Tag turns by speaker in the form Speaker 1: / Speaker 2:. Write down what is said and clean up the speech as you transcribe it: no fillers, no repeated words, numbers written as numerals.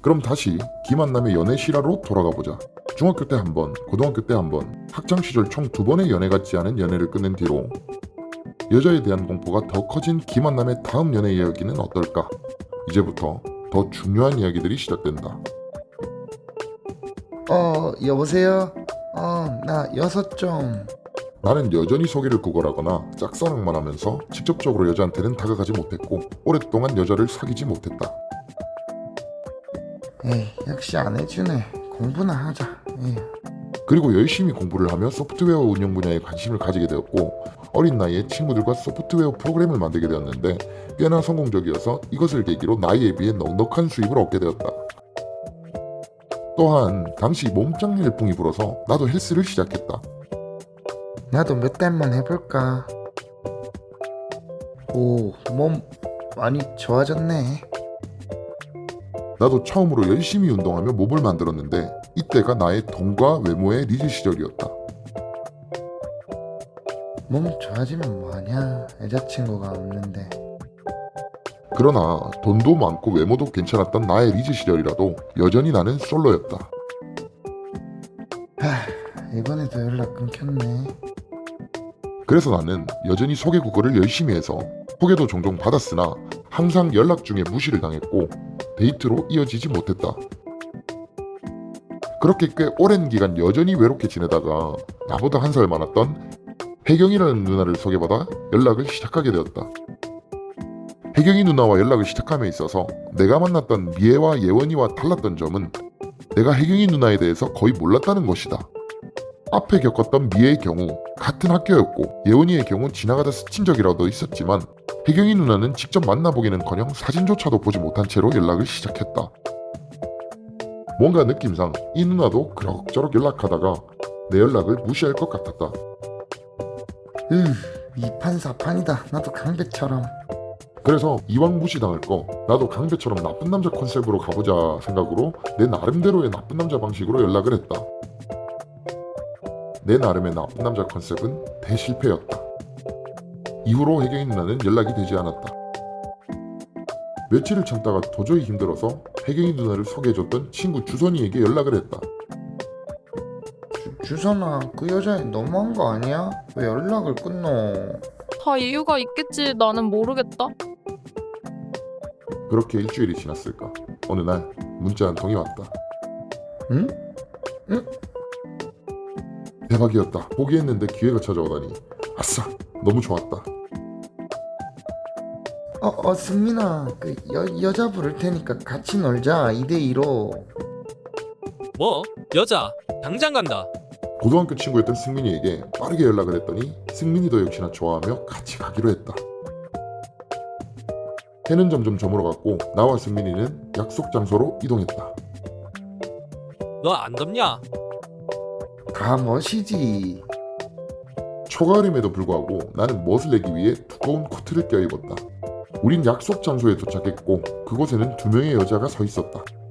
Speaker 1: 그럼 다시 김한남의 연애 실화로 돌아가 보자. 중학교 때 한 번, 고등학교 때 한 번, 학창 시절 총 2번의 연애 같지 않은 연애를 끝낸 뒤로 여자에 대한 공포가 더 커진 김한남의 다음 연애 이야기는 어떨까? 이제부터 더 중요한 이야기들이 시작된다.
Speaker 2: 여보세요? 나 여섯 좀.
Speaker 1: 나는 여전히 소개를 구걸하거나 짝사랑만 하면서 직접적으로 여자한테는 다가가지 못했고 오랫동안 여자를 사귀지 못했다.
Speaker 2: 에이, 역시 안 해주네. 공부나 하자. 에이.
Speaker 1: 그리고 열심히 공부를 하며 소프트웨어 운영 분야에 관심을 가지게 되었고 어린 나이에 친구들과 소프트웨어 프로그램을 만들게 되었는데 꽤나 성공적이어서 이것을 계기로 나이에 비해 넉넉한 수입을 얻게 되었다. 또한 당시 몸짱 열풍이 불어서 나도 헬스를 시작했다.
Speaker 2: 나도 몇 달만 해볼까. 오, 몸 많이 좋아졌네.
Speaker 1: 나도 처음으로 열심히 운동하며 몸을 만들었는데 이때가 나의 돈과 외모의 리즈 시절이었다.
Speaker 2: 몸 좋아지면 뭐하냐? 여자친구가 없는데.
Speaker 1: 그러나 돈도 많고 외모도 괜찮았던 나의 리즈 시절이라도 여전히 나는 솔로였다.
Speaker 2: 이번에도 연락 끊겼네.
Speaker 1: 그래서 나는 여전히 소개 구걸을 열심히 해서 소개도 종종 받았으나 항상 연락 중에 무시를 당했고 데이트로 이어지지 못했다. 그렇게 꽤 오랜 기간 여전히 외롭게 지내다가 나보다 한 살 많았던 혜경이라는 누나를 소개받아 연락을 시작하게 되었다. 혜경이 누나와 연락을 시작함에 있어서 내가 만났던 미애와 예원이와 달랐던 점은 내가 혜경이 누나에 대해서 거의 몰랐다는 것이다. 앞에 겪었던 미애의 경우 같은 학교였고 예원이의 경우 지나가다 스친 적이라도 있었지만 혜경이 누나는 직접 만나보기는커녕 사진조차도 보지 못한 채로 연락을 시작했다. 뭔가 느낌상 이 누나도 그럭저럭 연락하다가 내 연락을 무시할 것 같았다.
Speaker 2: 이판사판이다. 나도 강배처럼.
Speaker 1: 그래서 이왕 무시당할 거 나도 강배처럼 나쁜 남자 컨셉으로 가보자 생각으로 내 나름대로의 나쁜 남자 방식으로 연락을 했다. 내 나름의 나쁜 남자 컨셉은 대실패였다. 이후로 혜경이 누나는 연락이 되지 않았다. 며칠을 참다가 도저히 힘들어서 혜경이 누나를 소개해줬던 친구 주선이에게 연락을 했다.
Speaker 2: 주선아, 그 여자애 너무한 거 아니야? 왜 연락을 끊노?
Speaker 3: 다 이유가 있겠지. 나는 모르겠다.
Speaker 1: 그렇게 일주일이 지났을까. 어느 날 문자 한 통이 왔다.
Speaker 2: 응?
Speaker 1: 대박이었다. 포기했는데 기회가 찾아오다니. 아싸, 너무 좋았다.
Speaker 2: 승민아, 그 여자 부를 테니까 같이 놀자. 2대2로.
Speaker 4: 뭐? 여자? 당장 간다.
Speaker 1: 고등학교 친구였던 승민이에게 빠르게 연락을 했더니 승민이도 역시나 좋아하며 같이 가기로 했다. 해는 점점 저물어갔고 나와 승민이는 약속 장소로 이동했다.
Speaker 4: 너 안 덥냐?
Speaker 2: 가 멋이지.
Speaker 1: 초가을임에도 불구하고 나는 멋을 내기 위해 두꺼운 코트를 껴입었다. 우린 약속 장소에 도착했고 그곳에는 2명의 여자가 서 있었다.